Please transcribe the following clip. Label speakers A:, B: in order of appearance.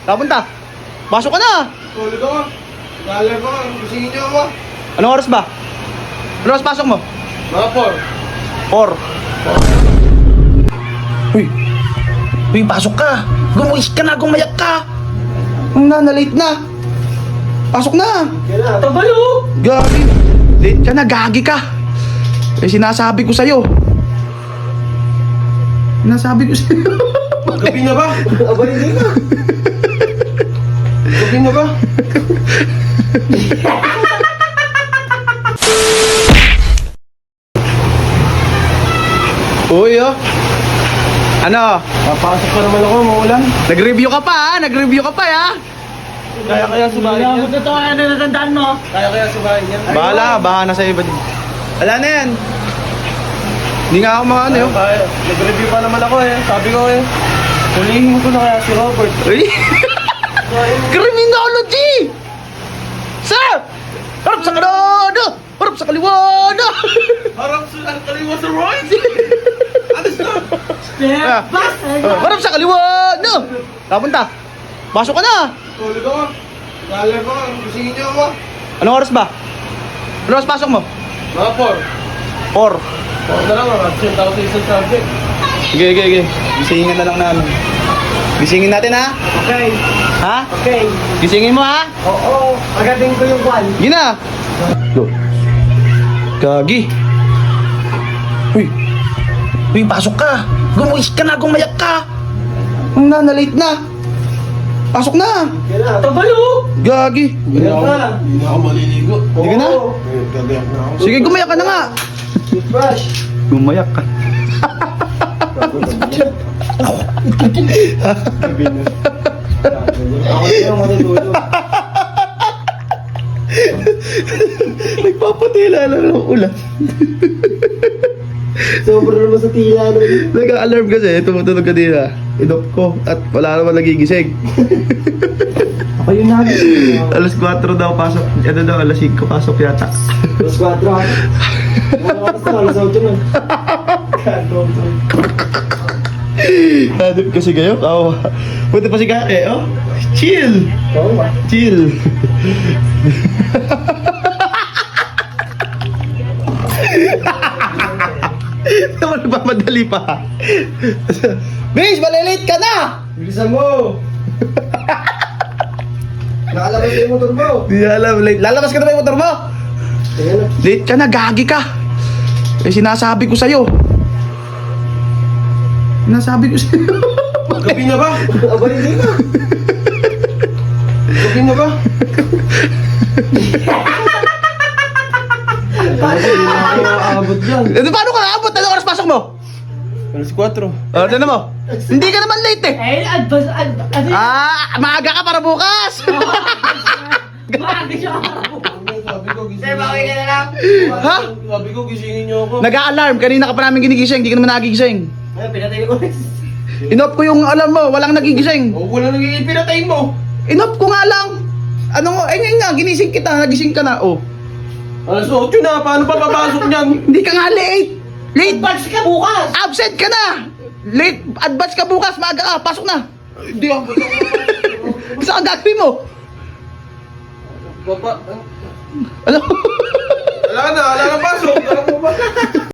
A: Kapunta. Pasok ka na.
B: Tulog ako. Lalag ako. Gisingin niyo ako.
A: Anong oras ba? Anong oras pasok mo?
B: Mga
A: 4. Uy. Uy, pasok ka. Gumuhis ka na, gumayak ka. Na-late na. Pasok na.
B: Kailan?
C: Tabalo!
A: Gagi. Late ka na, gagi ka. Eh, sinasabi ko sa'yo. Sinasabi ko sa'yo.
B: Gabi na ba? Abay, hindi na. Gabi na ba?
A: Uy, oh. Ano?
B: Papasok pa naman ako, maulan.
A: Nag-review ka pa, ha? Nag-review ka pa, ha?
B: Kaya subahin yan.
C: Ito to, ano natandaan mo?
B: Kaya subahin yan.
A: Bahala na sa iba din. Wala na yan. Hindi nga ako mga ano yun.
B: Kaya, nag-review pa naman ako eh. Sabi ko eh. Hulihin mo ko na kaya si Robert.
A: Uy! Criminology! Sir! Harap sa kanada! Harap sa kaliwada!
B: Harap sa kaliwa sa right! Alis na!
C: Step back!
A: Harap sa kaliwada! Kapunta. Pasok ka na.
B: Tulog ako. Lalag ako. Gisingin niyo ako.
A: Anong oras ba? Anong oras pasok mo?
B: Mga 4.
A: 4.
B: Huwag na lang, absent ako sa isang subject.
A: Sige. Gisingin na lang namin. Gisingin natin, ha?
C: Okay,
A: Ha?
C: okay.
A: Gisingin mo, ha?
C: Oo, agating ko yung kwan.
A: Sige na. Gagi. Uy. Uy, pasok ka. Gumuhis ka na, gumayak ka. Na-late na. Pasok na.
B: Kailan?
C: Tabalo!
A: Gagi.
B: Hindi na ako maliligo.
A: Hindi ka na?
B: Gagayak na ako.
A: Sige, gumayak ka na nga.
B: Toothbrush.
A: Gumayak ka.
B: Gabi na. Ako na lang matutulog.
A: Nagpapatila na ng ulan.
B: Sobrang naman sa tila nun.
A: Nag-alarm kasi, tumutunog kanina. Inop ko at wala naman nagigising.
B: Ako yung nagising.
A: Alas 4 daw pasok. Ano daw, alas 5 pasok yata.
B: Alas 4 ako. Alas na, alas 8 na.
A: Hanip kasi kayo? Oo. Punta pa si Kake, oh. Chill!
B: Oo ba?
A: Chill! Naman nagmamadali pa. Bish, malilate ka na!
B: Bilisan mo! Nakalabas yung motor mo!
A: Di alam, late. Lalabas ka na ba yung motor mo?
B: Tingnan na.
A: Late ka na, gagi ka. Eh, sinasabi ko sa'yo. Sinasabi ko sa'yo.
B: Gabi na ba? Abay, hindi na. Gabi na ba? Hindi na ako aabot dyan.
A: Ano, paano ka naabot? Ano oras pasok mo?
B: Alas 4.
A: Ano mo? Hindi ka naman late eh.
C: Eh, ano
A: Maaga ka para bukas.
C: maaga siya.
B: Sabi ko, gisingin
C: Sir, bawi ka na lang.
A: Ha?
B: Sabi ko, gisingin niyo ako.
A: Nag-a-alarm. Kanina ka pa namin ginigising. Hindi ka naman nagigising.
C: Ay, pinatay ko.
A: Inop ko yung alarm mo. Walang nagigising.
B: O, wala nang ipinatay mo.
A: Inop ko nga lang. Ano ngayon nga, ginising kita. Nagising ka na. Oh.
B: Alas 8 na, paano pa papasok niyan?
A: Hindi ka nga late. Late.
C: Advance ka bukas.
A: Absent ka na. Late. Advance ka bukas. Maaga ka. Pasok na.
B: Hindi ako.
A: Saan ang gagawin mo?
B: Baba.
A: Ano?
B: Wala na pasok. Alam mo ba?